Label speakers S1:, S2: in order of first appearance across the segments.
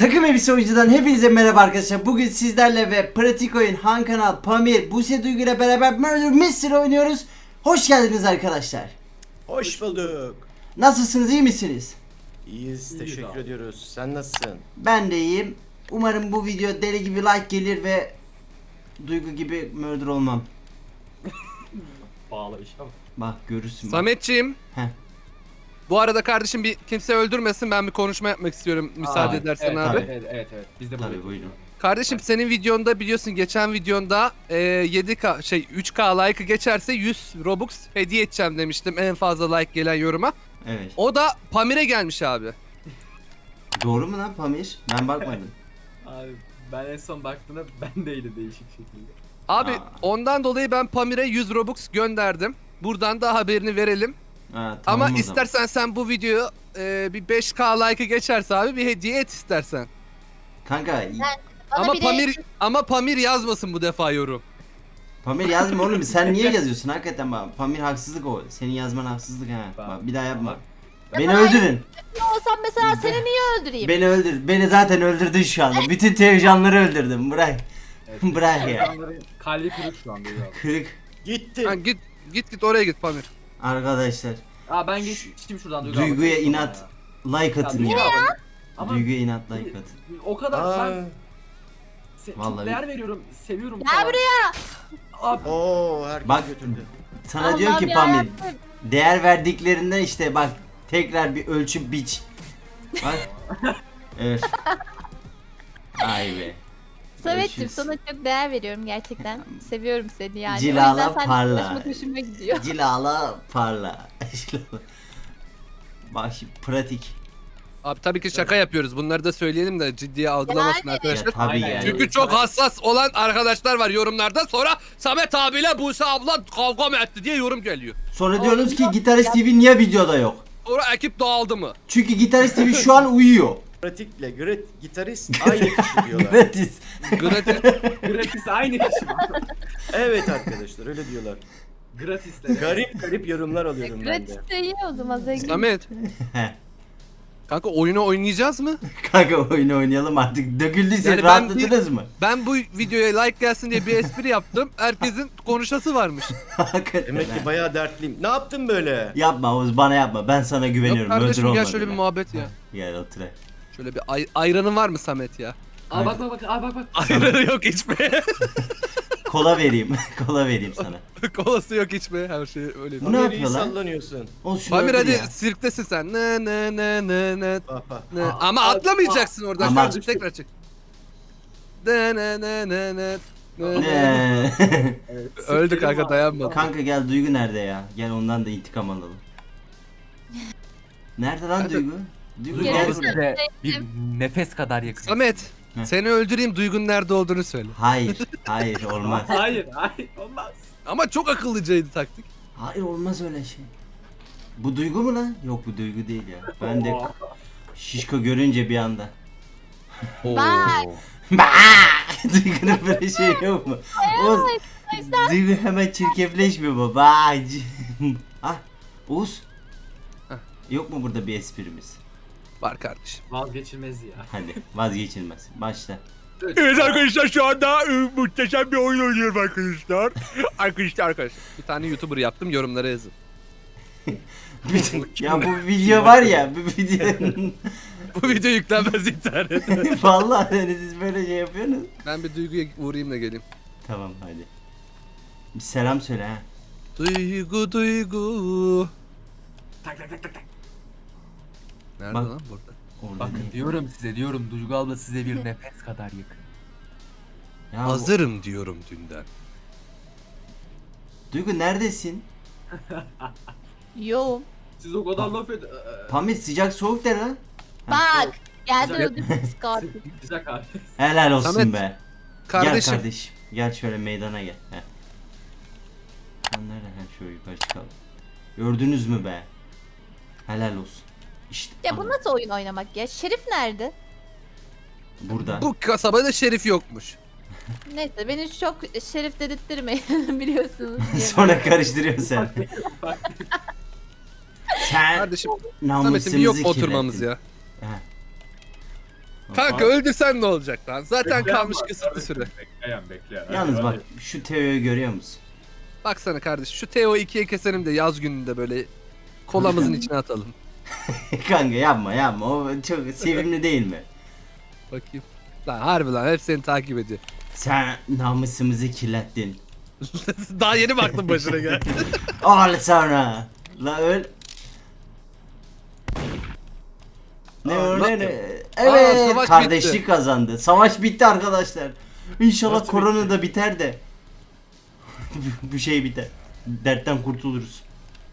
S1: Takım Elbise Oyuncu'dan hepinize merhaba arkadaşlar. Bugün sizlerle ve Pratik Oyun, Han Kanal, Pamir, Buse Duygu ile beraber Murder Mystery oynuyoruz. Hoş geldiniz arkadaşlar.
S2: Hoş bulduk.
S1: Nasılsınız, iyi misiniz?
S2: İyiyiz, teşekkür ediyoruz. Sen nasılsın?
S1: Ben de iyiyim. Umarım bu video deli gibi like gelir ve Duygu gibi murder olmam.
S3: Bağla iş ama.
S1: Bak görürsün.
S4: Sametciğim.
S1: Heh.
S4: Bu arada kardeşim bir kimse öldürmesin, ben bir konuşma yapmak istiyorum müsaade edersen
S3: evet,
S4: abi.
S3: Evet. Biz de
S1: Tabii buyurun.
S4: Kardeşim senin videonda biliyorsun geçen videonda 3K like'ı geçerse 100 Robux hediye edeceğim demiştim en fazla like gelen yoruma.
S1: Evet.
S4: O da Pamir'e gelmiş abi.
S1: Doğru mu lan Pamir? Ben bakmadım.
S3: Abi ben en son baktığımda bendeydi değişik şekilde.
S4: Abi
S1: Aa.
S4: ondan dolayı ben Pamir'e 100 Robux gönderdim. Buradan da haberini verelim.
S1: Ha, tamam
S4: Ama
S1: o zaman.
S4: istersen sen bu videoyu bir 5K like'ı geçerse abi bir hediye et istersen.
S1: Kanka
S4: Ama Pamir yazmasın bu defa yorum.
S1: Pamir yazma oğlum, sen niye yazıyorsun hakikaten bak. Pamir haksızlık o. Senin yazman haksızlık ha. Bak bir daha yapma. Beni öldürün.
S5: Ne olsam mesela seni niye öldüreyim?
S1: Beni öldür. Beni zaten öldürdün şu anda. Bütün televizyonları öldürdüm. Bırak. Bırak ya.
S3: İnsanların kalbi kırık şu anda ya.
S1: Kırık.
S2: Gitti.
S4: Ha, git oraya git Pamir.
S1: Arkadaşlar.
S3: Aa ben geçtim şuradan Duygu
S1: Duyguya
S3: abla.
S1: inat like atın
S3: Duygu
S1: ya.
S3: abla. Ama
S1: Duyguya inat like atın.
S3: o kadar
S2: Aa,
S3: ben
S1: Vallahi-
S3: çok değer veriyorum, seviyorum.
S5: Gel
S3: falan.
S5: buraya.
S3: Abi
S2: Oo, herkes
S1: Bak.
S2: götürdü.
S1: Sana diyor ki
S5: Allah'ım
S1: Pamir.
S5: yarabbim.
S1: Değer verdiklerinden işte bak. Tekrar bir ölçüp biç. Bak. Evet. Ay be.
S5: Samet'cim
S1: Görüşürüz.
S5: sana çok değer veriyorum gerçekten. Seviyorum seni yani.
S1: Cilala
S5: o yüzden seninle
S1: parla.
S5: konuşmak hoşuma gidiyor.
S1: Cilala parla. Bak şimdi pratik.
S4: Abi tabii ki şaka yapıyoruz. Bunları da söyleyelim de ciddiye algılamasın
S5: Yani.
S4: arkadaşlar.
S1: Ya tabii
S3: Aynen.
S1: yani.
S4: Çünkü çok hassas olan arkadaşlar var yorumlarda. Sonra Samet abiyle Buse abla kavga mı etti diye yorum geliyor.
S1: Sonra diyorsunuz ki Gitarist TV niye videoda yok?
S4: Sonra ekip dağıldı mı?
S1: Çünkü Gitarist TV şu an uyuyor.
S2: Pratikle gitarist aynı kişi diyorlar.
S1: Gratis.
S4: Gratis.
S3: gratis aynı kişi.
S2: Evet arkadaşlar öyle diyorlar.
S3: Gratisler.
S2: Garip yorumlar alıyorum ben
S5: Gratis
S2: de.
S5: de iyi o zaman zengin.
S4: Samet. Kanka oyunu oynayacağız mı?
S1: Kanka oyunu oynayalım artık. Döküldüyse
S4: Yani ben
S1: rahatladınız mı?
S4: Ben bu videoya like gelsin diye bir espri yaptım. Herkesin konuşası varmış.
S1: Hakikaten
S2: Demek
S1: ha.
S2: ki bayağı dertliyim. Ne yaptın böyle?
S1: Yapma Oğuz, bana yapma. Ben sana
S4: Yok
S1: güveniyorum. Öldür
S4: kardeşim gel
S1: olmadı
S4: şöyle bir
S1: lan.
S4: muhabbet ya.
S1: Gel otur.
S4: Şöyle bir ayranın var mı Samet ya?
S3: Aa bak aa bak.
S4: Ayranı yok içmeye.
S1: Kola vereyim. Kola vereyim sana.
S4: Kolası yok içmeye. Her şey öyle.
S1: Bu ne
S2: Nereye
S1: yapıyor lan?
S2: sallanıyorsun?
S1: Oğuz şunu
S4: Pamir
S1: öldür
S4: hadi
S1: ya.
S4: sirktesin sen. Ne.
S2: Bak bak.
S4: Ama atlamayacaksın oradan.
S1: Ama-
S4: Kardeşim tekrar çık. Ne.
S1: Ne?
S4: Öldü kanka dayanmadı.
S1: Kanka gel, Duygu nerede ya? Gel ondan da intikam alalım. Nerede lan
S4: Hadi.
S1: Duygu? Duygu
S5: Duygu
S1: gel.
S5: abla.
S6: Size bir nefes kadar yakın.
S4: Samet
S1: Heh.
S4: seni öldüreyim Duygu'nun nerede olduğunu söyle.
S1: Hayır olmaz.
S3: Hayır olmaz.
S4: Ama çok akıllıcaydı taktik.
S1: Hayır olmaz öyle şey. Bu Duygu mu lan? Yok bu Duygu değil ya. Ben de şişko görünce bir anda.
S5: Bak.
S1: Duygu'nun böyle şey yok mu? Oğuz, Duygu hemen çirkefleşmiyor mu? Bak. Ah, Oğuz.
S4: Heh.
S1: Yok mu burada bir esprimiz?
S4: Var kardeşim.
S3: Vazgeçilmez ya.
S1: Hadi vazgeçilmez. Başla.
S4: Evet arkadaşlar şu anda muhteşem bir oyun oynuyorum arkadaşlar. arkadaşlar. Bir tane YouTuber yaptım yorumlara yazın.
S1: Ya bu video var ya, bu video
S4: Bu video yüklenmez internete.
S1: vallahi hani siz böyle şey yapıyorsunuz.
S4: Ben bir Duygu'ya uğrayayım da geleyim.
S1: Tamam hadi. Bir selam söyle ha.
S4: Duygu.
S3: Tak.
S4: Nerede
S1: Bak.
S4: lan burada?
S1: Orada
S6: Bakın
S1: değil.
S6: diyorum size diyorum Duygu abla size bir nefes kadar yakın.
S1: Ya
S4: Hazırım diyorum dünden.
S1: Duygu neredesin?
S5: Yoğum.
S3: Siz o kadar laf edin.
S1: Pamir sıcak soğuk de lan.
S5: Bak. Geldi
S3: Güzel.
S5: öldü pis katil.
S3: Güzel abi.
S1: Helal olsun
S4: Samet,
S1: be.
S4: Kardeşim.
S1: Gel kardeşim. Gel şöyle meydana gel. Heh. Sen nereden? Heh, şöyle yukarı çıkalım. Gördünüz mü be? Helal olsun. İşte
S5: Ya bu nasıl oyun oynamak ya? Şerif nerede?
S1: burada.
S4: Bu kasabada şerif yokmuş.
S5: Neyse beni çok şerif dedirtmeyin biliyorsunuz. diye.
S1: Sonra karıştırıyorsun sen. Sen
S4: Kardeşim
S1: namusumuzu
S4: Samet'in bir yok
S1: kirlettin.
S4: oturmamız ya.
S1: Heh.
S4: Kanka öldürsen ne olacak lan? Zaten
S3: Bekleyen
S4: kalmış
S3: var,
S4: kısıtlı
S3: tabii.
S4: süre.
S3: Bekleyen.
S1: Yalnız
S3: Hadi,
S1: bak şu Teo'yu görüyor musun?
S4: Baksana kardeş şu Teo 2'ye keselim de yaz gününde böyle kolamızın içine atalım.
S1: Kanka yapma o çok sevimli değil mi?
S4: Bakayım. Lan harbi lan hep seni takip ediyor.
S1: Sen namusumuzu kirlettin.
S4: Daha yeni baktım başına gel.
S1: Al sana. La öl. Ne
S4: Aa,
S1: o
S4: lan-
S1: ne ne?
S4: Aa,
S1: Evet
S4: savaş
S1: kardeşlik
S4: bitti.
S1: kazandı. Savaş bitti arkadaşlar. İnşallah
S3: Nasıl
S1: korona da biter de. Bu şey biter. Dertten kurtuluruz.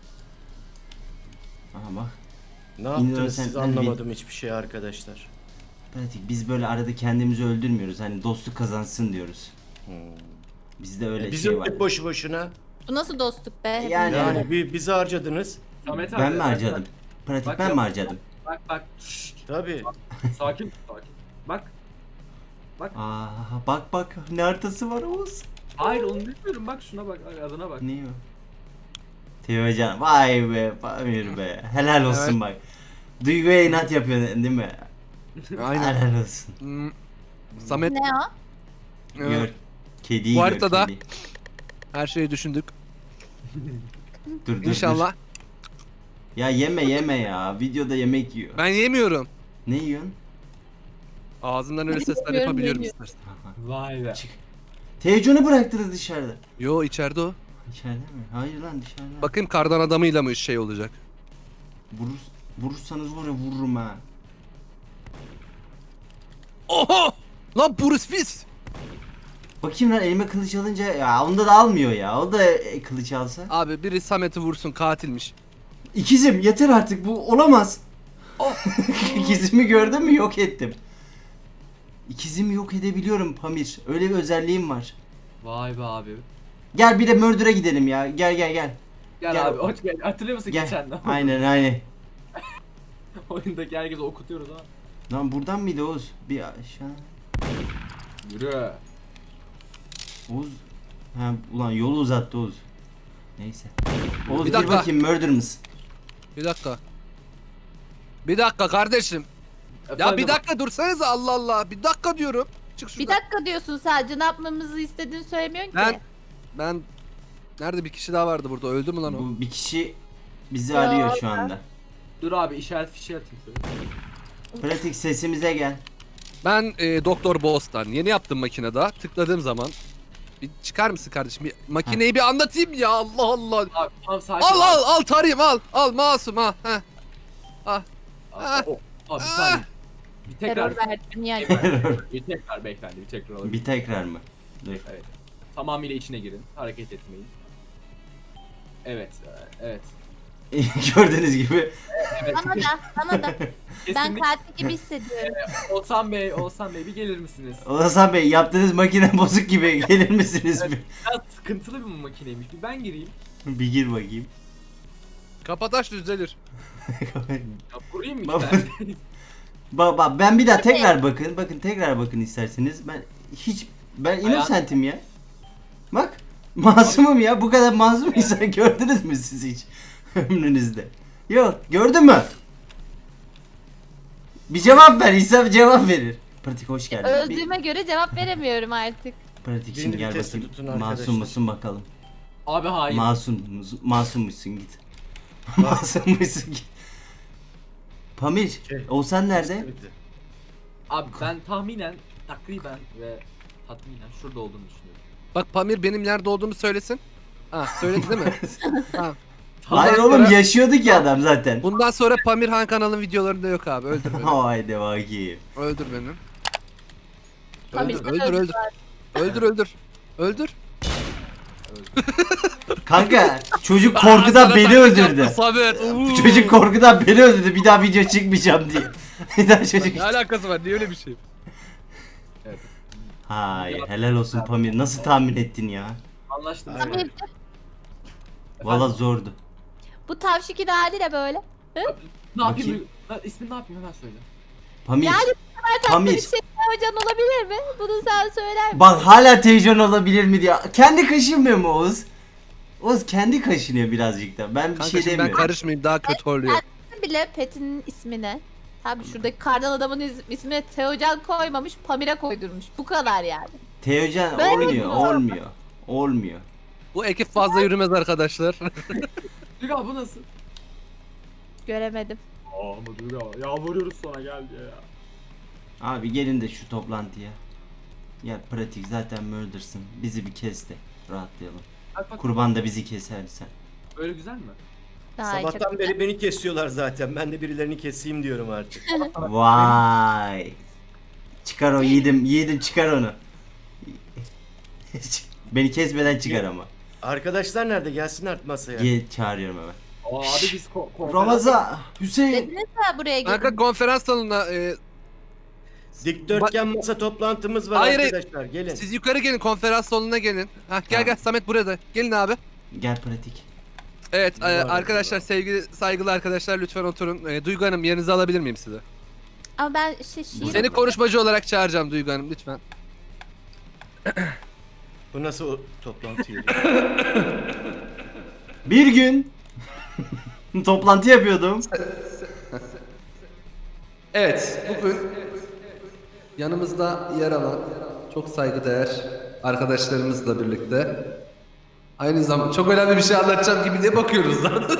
S1: Aha bak.
S2: Ne yaptınız
S1: Innocent
S2: siz
S1: Elvin.
S2: anlamadım hiçbir şey arkadaşlar.
S1: Pratik biz böyle arada kendimizi öldürmüyoruz. Hani dostluk kazansın diyoruz. Bizde öyle
S2: Biz
S1: şey var.
S2: öldük boşu boşuna.
S5: Bu nasıl dostluk be?
S1: Yani-
S2: Yani bizi harcadınız.
S3: Samet abi,
S1: Ben mi
S3: bak,
S1: harcadım? Pratik
S3: Bak
S1: ben
S3: ya.
S1: mi harcadım?
S3: Bak. Şşt,
S2: Tabii.
S3: sakin. Bak.
S1: Aa bak ne haritası var Oğuz.
S3: Hayır onu bilmiyorum. Bak şuna bak. Adına bak.
S1: Ne o? Teocan vay be Pamir be. Helal olsun
S4: Evet.
S1: bak. Duyguya inat yapıyorsun değil mi?
S4: Aynen.
S1: Helal olsun.
S4: Hmm. Samet
S5: Ne o?
S1: Gör. Kediyi
S4: Bu
S1: gör
S4: haritada-
S1: kedi.
S4: her şeyi düşündük.
S1: Dur.
S4: İnşallah.
S1: Ya yeme ya. Videoda yemek yiyor.
S4: Ben yemiyorum.
S1: Ne yiyorsun?
S4: Ağzımdan öyle sesler
S5: Yemiyorum,
S4: yapabiliyorum
S5: yemiyorum.
S4: istersen.
S1: Aha.
S3: Vay be.
S1: Çık. Teocan'ı bıraktınız dışarıda.
S4: Yo içeride o.
S1: İçeride mi? Hayır lan dışarıda.
S4: Bakayım kardan adamıyla mı şey olacak?
S1: Vurursanız var ya vururum ha.
S4: Oho! Lan Bruce Willis!
S1: Bakayım lan elime kılıç alınca ya onda da almıyor ya. O da kılıç alsa.
S4: Abi biri Samet'i vursun katilmiş.
S1: İkizim yeter artık bu olamaz. İkizimi gördün mü yok ettim. İkizimi yok edebiliyorum Pamir. Öyle bir özelliğim var.
S3: Vay be abi.
S1: Gel bir de Murder'a gidelim ya. Gel.
S3: Gel,
S1: Gel.
S3: abi. Hoş geldin. Hatırlıyor musun
S1: Gel.
S3: geçen
S1: Aynen.
S3: oyundaki herkese okutuyoruz ha.
S1: Lan buradan mıydı Oğuz? Bir aşağı.
S3: Yürü.
S1: Oğuz. Ha ulan yolu uzattı Oğuz. Neyse. Oğuz
S4: Bir
S1: bir
S4: dakika.
S1: bakayım murder mısın?
S4: Bir dakika. Bir dakika kardeşim. Ya
S3: Efendim,
S4: bir dakika dursanız Allah Allah. Bir dakika diyorum. Çık şuradan.
S5: Bir dakika diyorsun sadece ne yapmamızı istediğini söylemiyorsun
S4: Ben-
S5: ki.
S4: Ben nerede bir kişi daha vardı burada. Öldü mü lan o?
S1: Bu bir kişi bizi
S5: Ya
S1: arıyor şu anda.
S3: Dur abi işaret fişi atayım sana.
S1: Pratik sesimize gel.
S4: Ben Doktor Boss'tan yeni yaptım makinede. Tıkladığım zaman bir çıkar mısın kardeşim? Bir makineyi bir anlatayım ya. Allah Allah.
S3: Abi tamam sakin
S4: Al
S3: ol.
S4: al tarayayım al. Al masum ha. Heh.
S3: Abi,
S4: Ah.
S3: abi bir saniye. Bir tekrar.
S5: Terör verdim yani.
S3: Bir tekrar beyefendi bir tekrar olabilir.
S1: Bir tekrar mı? Dur.
S3: Evet. Tamamıyla içine girin. Hareket etmeyin. Evet. Evet.
S1: Gördüğünüz gibi.
S3: Evet.
S5: Bana da. Ben
S3: Kesinlikle.
S5: katil gibi hissediyorum.
S3: Oğuzhan Bey bir gelir misiniz?
S1: Hasan Bey yaptığınız makine bozuk gibi gelir misiniz bir?
S3: Biraz sıkıntılı bir makineymiş. Bir ben gireyim.
S1: Bir gir bakayım.
S4: Kapataş düzelir.
S3: Ya kurayım mı
S1: Baba.
S3: iki tane?
S1: Bak ben bir daha tekrar bakın. Bakın tekrar bakın isterseniz. Ben innocentim ya. Bak masumum ya. Bu kadar masum insan gördünüz mü siz hiç ömrünüzde? Yok gördün mü? Bir cevap ver. İnsan cevap verir. Pratik hoş geldin.
S5: Öldüğüme göre cevap veremiyorum artık.
S1: Pratik
S2: Birini
S1: şimdi gel
S2: vitesli
S1: bakayım.
S2: tutun arkadaşlar.
S1: Masum musun bakalım.
S3: Abi hayır.
S1: Masummuşsun git. Masummuşsun git. Pamir,
S2: Şey,
S1: Oğuzhan nerede?
S3: Abi ben tahminen, takriben ve tatminen şurada olduğunu düşünüyorum.
S4: Bak Pamir benim nerede olduğumu söylesin. Ha söyledi değil mi? Tamam.
S1: Hayır
S4: Bundan
S1: oğlum
S4: sonra-
S1: yaşıyordu ki adam zaten.
S4: Bundan sonra Pamir Han kanalın videolarında yok abi. Öldür beni.
S1: Haydi bakayım.
S4: Öldür beni.
S5: Pamir,
S4: Öldür,
S5: sen
S4: öldür,
S5: öldür
S4: öldür. Öldür, öldür. Öldür.
S1: Kanka çocuk korkudan beni öldürdü.
S4: Samet.
S1: Çocuk korkudan beni öldürdü. Bir daha video çıkmayacağım diye. Bir daha çocuk.
S4: Ne alakası var? Niye öyle bir şey?
S1: Hayır helal olsun Pamir. Nasıl tahmin ettin ya?
S3: Anlaştınız mı?
S2: Aynen.
S5: Pamir,
S1: Valla zordu.
S5: bu tavşiki de hali de böyle.
S3: Ne
S1: Bakayım.
S3: yapayım? İsmini ne yapayım hemen söyle.
S1: Pamir.
S5: Yani tatlı bir
S1: Pamir.
S5: şey hocan olabilir mi? Bunu sen söyler misin?
S1: Bak hala televizyon olabilir mi diye. Kendi kaşınmıyor mu Oğuz? Oğuz kendi kaşınıyor birazcık da. Ben bir
S4: Kanka
S1: şey
S4: şimdi ben
S1: demiyorum.
S4: karışmayayım daha kötü oluyor.
S5: Bile Pet'in ismini. Tabii şuradaki kardan adamın ismine Teocan koymamış, Pamir'e koydurmuş. Bu kadar yani.
S1: Teocan
S5: Ben
S1: olmuyor.
S4: Bu ekip fazla yürümez arkadaşlar.
S3: Duygu abi bu nasıl?
S5: Göremedim.
S3: Aa ama Duygu abi. Yalvarıyoruz sonra gel diye ya.
S1: Abi gelin de şu toplantıya. Ya pratik zaten murdersın. Bizi bir kes de rahatlayalım.
S3: Bak bak.
S1: Kurban da bizi kesersen.
S3: Öyle güzel mi?
S5: Ay, çok
S2: Sabahtan
S5: güzel.
S2: beri beni kesiyorlar zaten. Ben de birilerini keseyim diyorum artık.
S1: Vay. Çıkar o yiğidim çıkar onu. Beni kesmeden çıkar ama.
S2: Arkadaşlar nerede? Gelsinler masaya.
S1: Gel çağırıyorum hemen.
S3: Aa abi biz konferans...
S1: Ramazan, Hüseyin.
S5: Dediniz ya buraya
S4: Kanka
S5: gelin.
S4: konferans salonuna
S2: Dikdörtgen masa toplantımız var
S4: Hayır,
S2: arkadaşlar. Gelin.
S4: siz yukarı gelin, konferans salonuna gelin. Hah, gel
S1: Tamam.
S4: Samet burada. Gelin abi.
S1: Gel pratik.
S4: Evet
S2: Var,
S4: arkadaşlar,
S2: var.
S4: sevgili saygılı arkadaşlar, lütfen oturun. Duygu Hanım, yerinizi alabilir miyim size?
S5: Ama ben şiir
S4: Seni konuşmacı olarak çağıracağım Duygu Hanım, lütfen.
S2: Bu nasıl o toplantı yeri?
S1: Bir gün toplantı yapıyordum.
S4: Evet, bugün yanımızda yer alan çok saygıdeğer arkadaşlarımızla birlikte aynı zamanda çok önemli bir şey anlatacağım gibi diye bakıyoruz zaten.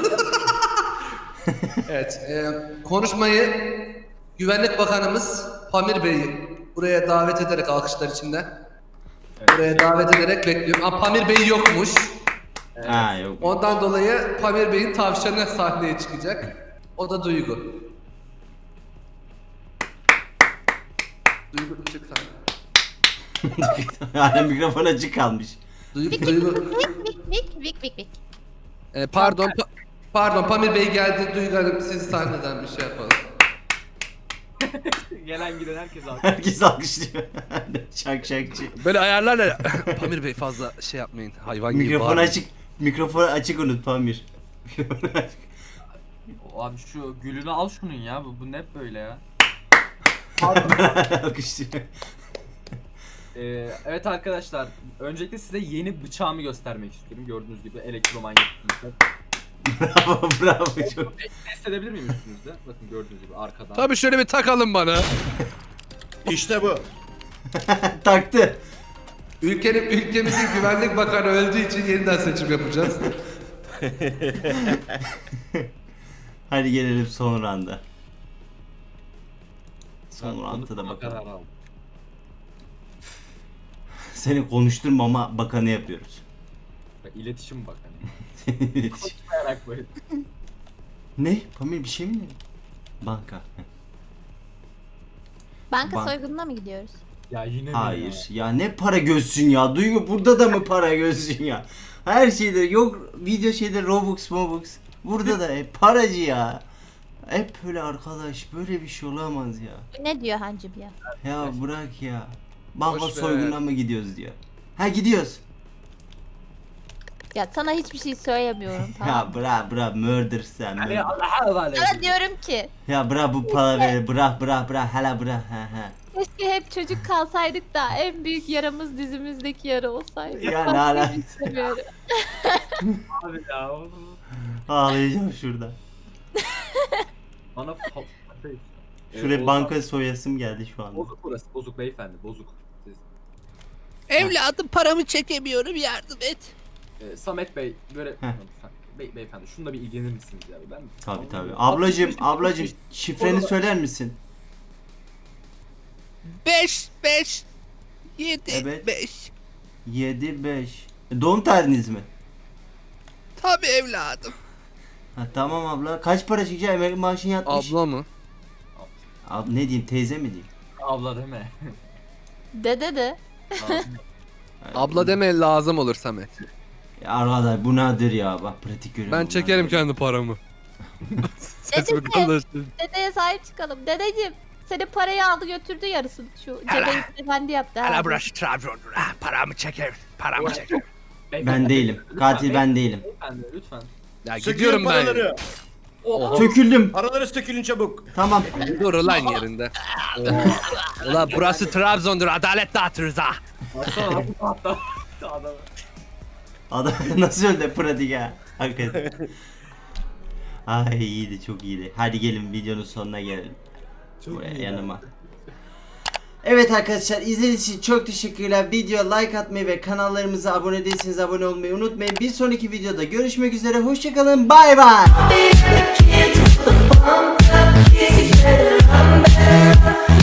S4: Evet, konuşmayı Güvenlik Bakanımız Pamir Bey'i buraya davet ederek, alkışlar içinde buraya davet ederek bekliyorum. Ama Pamir Bey yokmuş.
S1: Ha yok.
S4: Ondan dolayı Pamir Bey'in tavşanı sahneye çıkacak. O da Duygu. Duygu çık sahneye.
S1: Hala mikrofon açık kalmış.
S4: Duygu.
S5: Vik.
S4: Pardon Pamir Bey geldi. Duygu Hanım, siz sahneden bir şey yapalım.
S3: Gelen giden herkes abi.
S1: Herkes alkışlıyor. Şakşakçı.
S4: Böyle ayarlarla Pamir Bey fazla şey yapmayın. Hayvan gibi
S1: Mikrofon
S4: bağırmayın.
S1: açık. Mikrofon açık unut Pamir.
S6: Abi şu gülünü al şunun ya. Bu ne hep böyle ya.
S1: Alkışlıyor.
S3: Evet arkadaşlar, öncelikle size yeni bıçağımı göstermek istiyorum. Gördüğünüz gibi elektromanyetik bıçak.
S1: Bravo çok.
S3: Test edebilir miyim üstünüzde? Bakın gördüğünüz gibi arkadan.
S4: Tabii şöyle bir takalım bana.
S2: İşte bu.
S1: Taktı.
S4: Ülkemizin güvenlik bakanı öldüğü için yeniden seçim yapacağız.
S1: Hadi gelelim son randa. Son
S3: Ben
S1: randa da
S3: konuşma
S1: bakalım.
S3: kararı aldım.
S1: Seni konuşturmama bakanı yapıyoruz.
S3: Bak, İletişim bakanı. Merak böyle.
S1: Ne? Pamir bir şey mi dedin? Banka.
S5: Banka
S1: Bank-
S5: soygununa mı gidiyoruz?
S3: Ya yine mi
S1: Hayır. Ya ne para gözsün ya. Duygu burada da mı para gözsün ya? Her şeyde yok video şeyde Robux Mobux. Burada da hep paracı ya. Hep böyle arkadaş böyle bir şey olamaz ya.
S5: Ne diyor hancım ya?
S1: Ya bırak ya. Banka
S4: Boş ver.
S1: soygununa mı gidiyoruz diyor. Ha gidiyoruz.
S5: Ya sana hiçbir şey söylemiyorum tamam.
S1: Ya bırak murder sen.
S3: Yani
S1: murder.
S3: Allah'a havale
S5: Sana
S3: ediyorum.
S5: diyorum ki
S1: Ya bırak bu paraları bırak hala bırak ha.
S5: keşke hep çocuk kalsaydık da en büyük yaramız dizimizdeki yara olsaydı.
S1: Ya ne
S5: Başka
S1: alakası?
S5: bir şey istemiyorum.
S3: Abi ya.
S1: Ağlayacağım şurada.
S3: Bana
S1: Şuraya banka soyasım geldi şu anda.
S3: Bozuk burası. Bozuk beyefendi. Bozuk. Siz,
S4: Evladım, paramı çekemiyorum, yardım et.
S3: Samet Bey böyle beyefendi şununla bir ilgilenir misiniz ya? Ben
S1: Tabii. Ablacım şifreni söyler misin?
S4: 5 7
S1: Evet.
S4: 5.
S1: 7-5. Doğum tarihiniz mi?
S4: Tabii evladım.
S1: Ha, tamam abla. Kaç para çıkacak? Emekli maaşın yatmış.
S4: Abla mı?
S1: Ne diyeyim teyze mi diyeyim?
S3: Abla deme.
S5: Dede de.
S4: Abla deme, lazım olur Samet.
S1: Ya arkadaş bu nedir ya? Bak pratik görüyorum.
S4: Ben
S1: bunlar
S4: çekerim
S1: böyle.
S4: kendi paramı. Sesimi
S5: Dedeciğim,
S4: kalınlaştır.
S5: dedeye sahip çıkalım. Dedeciğim senin parayı aldı götürdü yarısını. Şu cebeyi efendi yaptı. ha.
S4: burası Trabzon'dur. Paramı çeker. Paramı çeker.
S1: Ben değilim. Katil ben değilim.
S3: Beyefendi lütfen.
S4: Ya
S2: Sökülün
S4: gidiyorum ben.
S2: paraları.
S3: Oha.
S1: Söküldüm.
S2: Paraları sökülün çabuk.
S1: Tamam.
S4: Dur lan yerinde. Ulan burası Trabzon'dur. Adalet dağıtırız ha.
S3: Baksana hatta. Adam.
S1: Adam nasıl öldü pratik ha? Hakikaten. Ay iyiydi çok iyiydi. Hadi gelin videonun sonuna gelelim. buraya yanıma. Evet arkadaşlar, izlediğiniz için çok teşekkürler. Videoya like atmayı ve kanallarımıza abone değilseniz abone olmayı unutmayın. Bir sonraki videoda görüşmek üzere. Hoşçakalın. Bay bay.